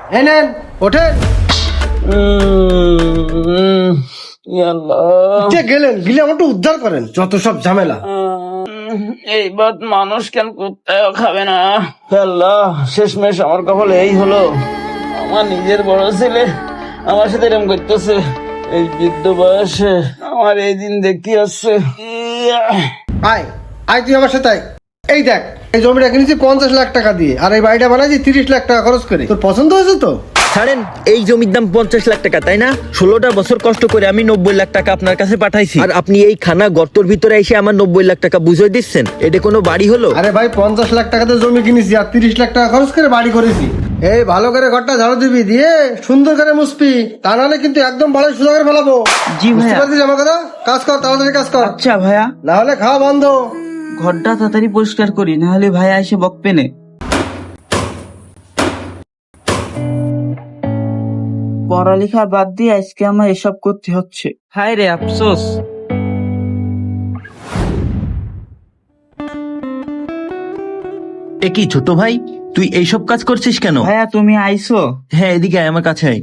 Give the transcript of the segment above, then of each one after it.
এই নেন, ওঠেন। গেলেন গিলে আমাকে উদ্ধার করেন, যত সব ঝামেলা। এই বাদ মানুষ কেন কুত্তাও খাবে না। আল্লাহ, শেষমেশ আমার কপালে এই হলো। আমার নিজের বড় ছেলে আমার সাথে এরকম করতেছে। এই বৃদ্ধ বয়সে আমার এই দিন দেখতে আসছে। আয় আয়, তুই আমার সাথে আয়। এই দেখ, এই জমিটা কিনেছি 50 লাখ টাকা দিয়ে, আর এই বাড়িটা বানাইছি 30 লাখ টাকা খরচ করে। তোর পছন্দ হয়েছে তো? ছাড়েন, এই জমির দাম 50 লাখ টাকা, তাই না? 16টা বছর কষ্ট করে আমি 90 লাখ টাকা আপনার কাছে পাঠাইছি, আর আপনি এই খানা গর্তর ভিতরে এসে আমার 90 লাখ টাকা বুঝিয়ে দিচ্ছেন? এটা কোনো বাড়ি হলো? আরে ভাই, 50 লাখ টাকাতে জমি কিনেছি আর 30 লাখ টাকা খরচ করে বাড়ি করেছি। এই ভালো করে ঘরটা ঝাড়ু দিবি, দিয়ে সুন্দর করে মুছবি, তা নাহলে কিন্তু একদম বাড়ি সোজা করে ফেলাবো। জি বুঝতে ভাইয়া। পারছিস আমার কথা? কাজ কর, তাড়াতাড়ি কাজ কর, আচ্ছা ভাইয়া, না হলে খাওয়া বন্ধ। ঘরটা তাড়াতাড়ি পরিষ্কার করি, না হলে ভাইয়া এসে বকবে না। পড়ালেখা বাদ দিয়ে আজকে আমার এসব করতে হচ্ছে। হায় রে আফসোস। এ কি ছোট ভাই, তুই এইসব কাজ করছিস কেন? ভাইয়া তুমি আইছো? হ্যাঁ, এদিকে আয়, আমার কাছে আয়।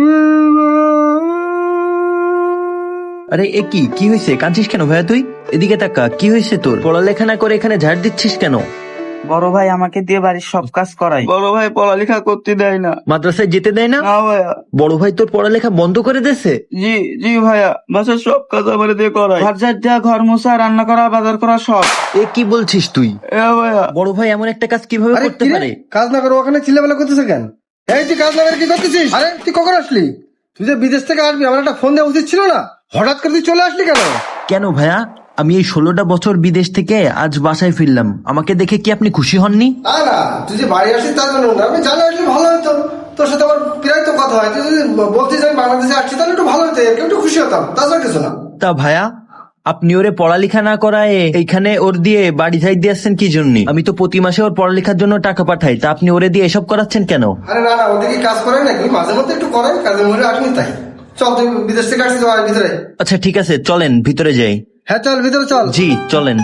আরে এ কি হয়েছে? কাঁদছিস কেন ভাইয়া তুই? এদিকে তাকা, কি হয়েছে তোর? পড়ালেখা না করে এখানে ঝাড় দিচ্ছিস কেন? বড় ভাই আমাকে দিয়ে বাড়ির সব কাজ করায়। বড় ভাই পড়ালেখা করতে দেয় না। মাদ্রাসায় যেতে দেয় না? না ভাইয়া। বড় ভাই তোর পড়ালেখা বন্ধ করে দিয়েছে? জি জি ভাইয়া, বাসার সব কাজ আমার দিয়ে করায়। ঘর ঝাড় দেওয়া, ঘর মোছা, রান্না করা, বাজার করা সব। এ কি বলছিস তুই? ভাইয়া বড় ভাই এমন একটা কাজ কিভাবে আরে করতে কি রে? পারে? কাজ না করে ওখানে চিল্লাবেলা করতেছে কেন? এই তুই কাজ না করে কি করতেছিস? আরে তুই কখন আসলি? তুই যে বিদেশ থেকে আসবি, আমার একটা ফোন দেওয়া উচিত ছিল না? হঠাৎ করে তুই চলে আসলি কেন? কেন ভাইয়া, আমি এই 16টা বছর বিদেশ থেকে আজ বাসায় ফিরলাম, আমাকে দেখে কি আপনি খুশি হননি? না না, তুই যে বাড়ি আসিস তার জন্য না, আমি জানা আসলে ভালো হতো। তোর সাথে আমার প্রায় তো কথা হয়, তুই যদি বলতিস আমি বাংলাদেশে আসছি তাহলে একটু ভালো হতো, এর একটু খুশি হতাম, তাছাড়া কিছু না। তা ভাইয়া, আপনি ওরে পড়ালেখা না করায় এইখানে ওর দিয়ে বাড়ি যাই দিয়েছেন কি জন্য? আমি তো প্রতি মাসে ওর পড়ালেখার জন্য টাকা পাঠাই, তা আপনি ওরে দিয়ে এসব করাচ্ছেন কেন? আরে না না, ওদিকে কাজ করে নাকি? মাঝে মধ্যে একটু করে, কাজের মধ্যে আসনি তাই। চল, তুই বিদেশ থেকে আসছিস, আর ভিতরে। আচ্ছা ঠিক আছে, চলেন ভিতরে যাই। হ্যাঁ চল, ভিতরে চল। জি চলেন।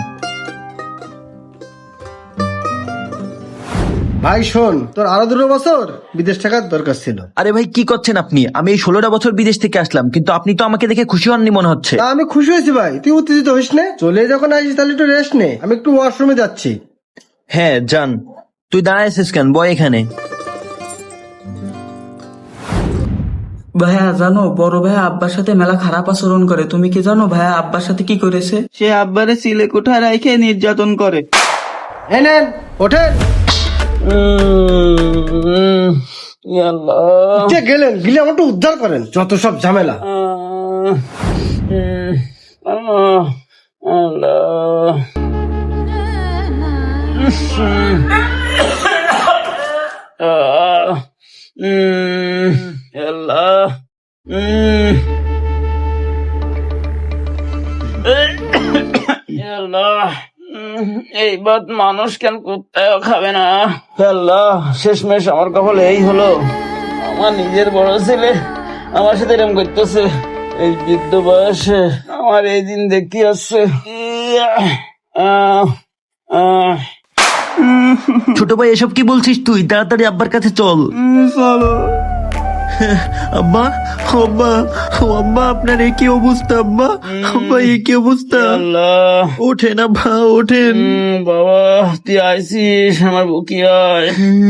ভাই শোন, তোর আরো 2 বছর বিদেশ থাকার দরকার ছিল। আরে ভাই কি করছেন আপনি? আমি এই 16টা বছর বিদেশ থেকে আসলাম, কিন্তু আপনি তো আমাকে দেখে খুশি হননি মনে হচ্ছে। তা আমি খুশি হয়েছি ভাই, তুই উত্তেজিত হইস নে। চলে যখন আসিস তাহলে একটু রেস্ট নে, আমি একটু ওয়াশরুমে যাচ্ছি। হ্যাঁ যান। তুই দাঁড়ায় আছিস কেন? বয় এখানে। ভাইয়া জানো, বড় ভাইয়া আব্বার সাথে মেলা খারাপ আচরণ করে। তুমি কি জানো ভাইয়া আব্বার সাথে কি করেছে? সে আব্বারে সিলে কোঠায় রাইখে নির্যাতন করে। এই নেন, ওঠেন। গেলেন গিলে আমাকে উদ্ধার করেন, যত সব ঝামেলা। আল্লাহ, আল্লাহ, আল্লাহ, এই বাদ মানুষ কেন কুত্তাও খাবে না। আল্লাহ, শেষমেশ আমার কপালে এই হলো। আমার নিজের বড় ছেলে আমার সাথে এরকম করতেছে। এই বৃদ্ধ বয়সে আমার এই দিন দেখতে আসছে। ছোট ভাই এসব কি বলছিস তুই? তাড়াতাড়ি আব্বার কাছে চল। চলো। আব্বা, আব্বা, ও আব্বা, আপনার একই অবস্থা আব্বা। আব্বা একই অবস্থা। আল্লাহ, ওঠেন আব্বা, ওঠেন। বাবা তুই আইসিস, আমার বুকি আয়।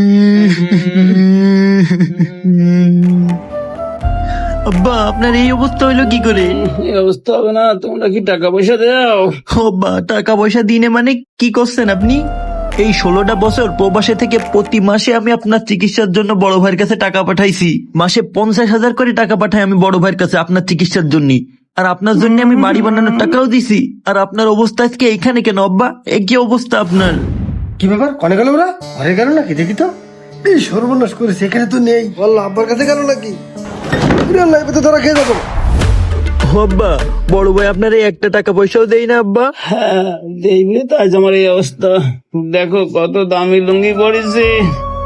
আব্বা আপনার এই অবস্থা হইলো কি করে? এই অবস্থা হবে না, তোমরা কি টাকা পয়সা দাও? আব্বা টাকা পয়সা দিনে মানে কি করছেন আপনি? এই 16টা বছর প্রবাসে থেকে প্রতি মাসে আমি আপনার চিকিৎসার জন্য বড় ভাইয়ের কাছে টাকা পাঠাইছি। মাসে 50,000 করে টাকা পাঠাই আমি বড় ভাইয়ের কাছে আপনার চিকিৎসার জন্য। আর আপনার জন্য আমি বাড়ি বানানোর টাকাও দিছি। আর আপনার অবস্থা আজকে এখানে কেন আব্বা? একই অবস্থা আপনার। কি ব্যাপার, কনে গেল ওরা? ঘরে গেল নাকি? দেখি তো। এই সর্বনাশ করেছে, এখানে তো নেই। বললো আব্বার কাছে গেল নাকি? তো ধরা খেয়ে যাবো। আব্বা, বড় ভাই আপনার এই একটা টাকা পয়সাও দেই না আব্বা। হ্যাঁ দেখবি তো আজ আমার এই অবস্থা। দেখো কত দামি লুঙ্গি পরেছে,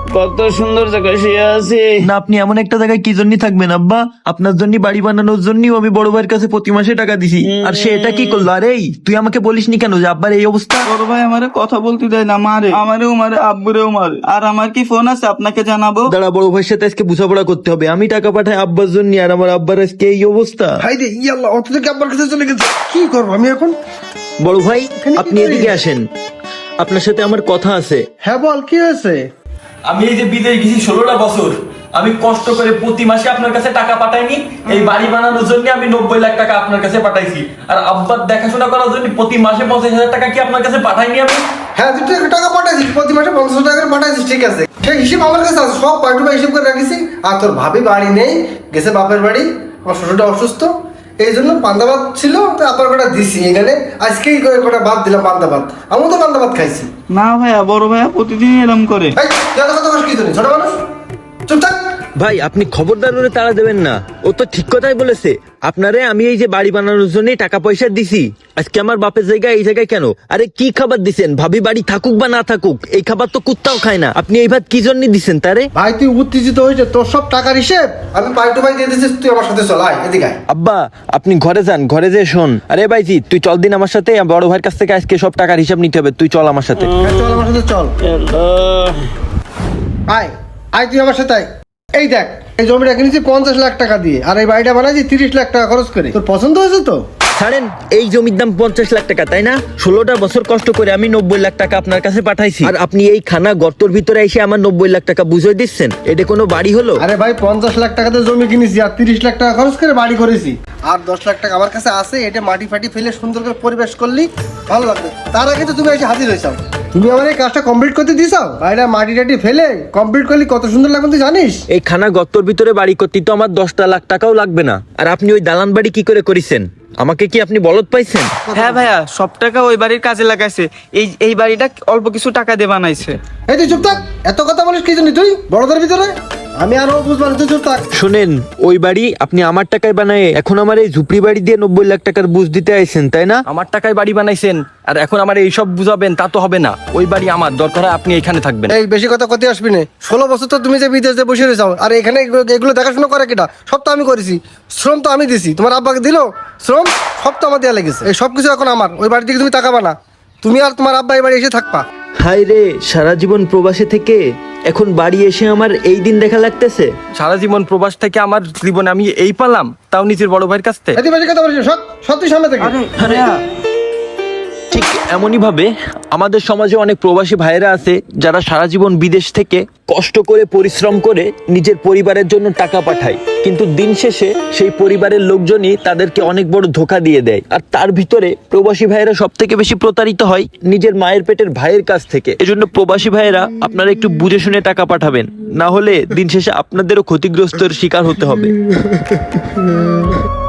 কত সুন্দর জায়গায় শুয়ে আছি। না, আপনি এমন একটা জায়গায় কি জন্য থাকবেন আব্বা? আপনার জন্য বাড়ি বানানোর জন্যই আমি বড় ভাইয়ের কাছে প্রতি মাসে টাকা দিছি, আর সে এটা কি করলো? আরে এই, তুই আমাকে বলিসনি কেন যে আব্বার এই অবস্থা? বড় ভাই আমারে কথা বলতে দেয় না, মারে আমারেও মারে, আব্বুরেও মারে। আর আমার কি ফোন আছে আপনাকে জানাবো? দাঁড়া, বড় ভাইয়ের সাথে আজকে বোঝাপড়া করতে হবে। আমি টাকা পাঠাই আব্বার জন্য, আর আমার আব্বার আজকে এই অবস্থা। হাই রে ইয়াল্লাহ, অত থেকে আব্বার কাছে চলে গেছে, কি করবো আমি এখন? বড় ভাই, এখানে কি আপনি এদিকে করিস? আসেন, আপনার সাথে আমার কথা আছে। হ্যাঁ বল, কি হয়েছে? আমি এই যে বিদেশ গেছি 16টা বছর, আমি কষ্ট করে প্রতি মাসে আপনার কাছে টাকা পাঠাইনি। এই বাড়ি বানানোর জন্য আমি 90 লাখ টাকা আপনার কাছে পাঠাইছি, আর আব্বার দেখাশোনা করার জন্য প্রতি মাসে 50,000 টাকা কি আপনার কাছে পাঠাইনি আমি? হ্যাঁ, তুই তো টাকা পাঠাইছিস, প্রতি মাসে 50 টাকা করে পাঠাইছিস, ঠিক আছে। সেই হিসেব আমার কাছে আছে, সব পার্টি বা হিসেব করে রাখিছি। আর তোর ভাবি বাড়ি নেই, গেছে বাপের বাড়ি, আমার শ্বশুরটা অসুস্থ, এই জন্য পান্তাবাদ ছিল, তো আবার কটা দিছি এখানে। আজকেই কটা ভাত দিলাম পান্তাবাদ, আমিও তো পান্তাবাদ খাইছি। না ভাইয়া, বড় ভাইয়া প্রতিদিন এরম করে। এই যত কথা বলিস কি জানি, ছোট মানুষ, চুপ থাক। ভাই, আপনি খবরদার ওরে তাড়া দেবেন না, ও তো ঠিক কথাই বলেছে। আপনারে আমি এই যে বাড়ি বানানোর জন্য টাকা পয়সা দিছি, আজকে আমার বাপের জায়গায় এই জায়গায় কেন? আরে কি খাবার দিছেন? ভাবি বাড়ি থাকুক বা না থাকুক, এই খাবার তো কুত্তাও খায় না। আপনি এই ভাত কি জন্য দিছেন তারে? ভাই তুই উত্তেজিত হয়েছে, তোর সব টাকার হিসেব আমি পার্টি ভাই দিয়ে দিচ্ছিস, তুই আমার সাথে চল, আয় এদিকে আয়। আব্বা, আপনি ঘরে যান, ঘরে যে শোন। আরে ভাইজি, তুই চল দিন আমার সাথে, বড় ভাইয়ের কাছ থেকে আজকে সব টাকার হিসাব নিতে হবে। তুই চল আমার সাথে। হ্যাঁ, চল আমার সাথে চল, আল্লাহ, আয় আয় তুই আমার সাথে আয়। এই দেখ, এই জমিটা কিনেছি 50 লাখ টাকা দিয়ে, আর এই বাড়িটা বানাইছি 30 লাখ টাকা খরচ করে। তোর পছন্দ হয়েছে তো? ছাড়েন, এই জমির দাম 50 লাখ টাকা, তাই না? 16টা বছর কষ্ট করে আমি 90 লাখ টাকা আপনার কাছে পাঠাইছি, আর আপনি এই খানা গর্তর ভিতরে এসে আমার 90 লাখ টাকা বুঝিয়ে দিচ্ছেন? এটা কোনো বাড়ি হলো? আরে ভাই, 50 লাখ টাকাতে জমি কিনেছি, আর 30 লাখ টাকা খরচ করে বাড়ি করেছি, আর 10 লাখ টাকা আমার কাছে আছে। এটা মাটি ফাটি ফেলে সুন্দর করে পরিবেশ করলি ভালো লাগবে। তার আগে তো তুমি এসে হাজির হয়েছাও, তুমি আমার এই কাজটা কমপ্লিট করতে দিছাও। বাড়িটা মাটি টাটি ফেলে কমপ্লিট করলি কত সুন্দর লাগবে তুই জানিস? এই খানা গর্তর ভিতরে বাড়ি করতে তো আমার 10টা লাখ টাকাও লাগবে না। আর আপনি ওই দালান বাড়ি কি করে করেছেন? আমাকে কি আপনি বলদ পাইছেন? হ্যাঁ ভাইয়া, সব টাকা ওই বাড়ির কাজে লাগাইছে। এই বাড়িটা অল্প কিছু টাকা দিয়ে বানাইছে। এই তুই চুপ থাক, এত কথা বলিস কি জানি তুই বড়দের ভিতরে? আমি আরো বুঝবো না, তুই চুপ থাক। শোনেন, ওই বাড়ি আপনি আমার টাকায় বানায় এখন আমার এই ঝুপড়ি বাড়ি দিয়ে 90 লাখ টাকার বুঝ দিতে আইছেন, তাই না? আমার টাকায় বাড়ি বানাইছেন, আর এখন আমার এইসব বুঝাবেন? তা তো হবে না। ওই বাড়ি আমার, দরকার হয় আপনি এখানে থাকবেন। এই বেশি কথা করতে আসবি না। 16 বছর তো তুমি যে বিদেশে বসে রয়েছাও, আর এখানে এগুলো দেখাশোনা করে কেটা? সব তো আমি করেছি, শ্রম তো আমি দিছি। তোমার আব্বাকে দিলো শ্রম, সব তো আমার দেওয়া লেগেছে। এই সব কিছু এখন আমার। ওই বাড়ি থেকে তুমি তাকাবা না, তুমি আর তোমার আব্বা এই বাড়ি এসে থাকবা। হাই রে, সারা জীবন প্রবাসে থেকে এখন বাড়ি এসে আমার এই দিন দেখা লাগতেছে। সারা জীবন প্রবাস থেকে আমার জীবনে আমি এই পালাম, তাও নিজের বড় ভাইয়ের কাছ থেকে। এত বেশি কথা বলিস, সব সত্যি সামনে থেকে। আরে ঠিক এমনই ভাবে আমাদের সমাজে অনেক প্রবাসী ভাইয়েরা আছে যারা সারা জীবন বিদেশ থেকে কষ্ট করে পরিশ্রম করে নিজের পরিবারের জন্য টাকা পাঠায়, কিন্তু দিন শেষে সেই পরিবারের লোকজনই তাদেরকে অনেক বড় ধোঁকা দিয়ে দেয়। আর তার ভিতরে প্রবাসী ভাইয়েরা সব থেকে বেশি প্রতারিত হয় নিজের মায়ের পেটের ভাইয়ের কাছ থেকে। এজন্য প্রবাসী ভাইয়েরা আপনারা একটু বুঝে শুনে টাকা পাঠাবেন, না হলে দিন শেষে আপনাদেরও ক্ষতিগ্রস্তের শিকার হতে হবে।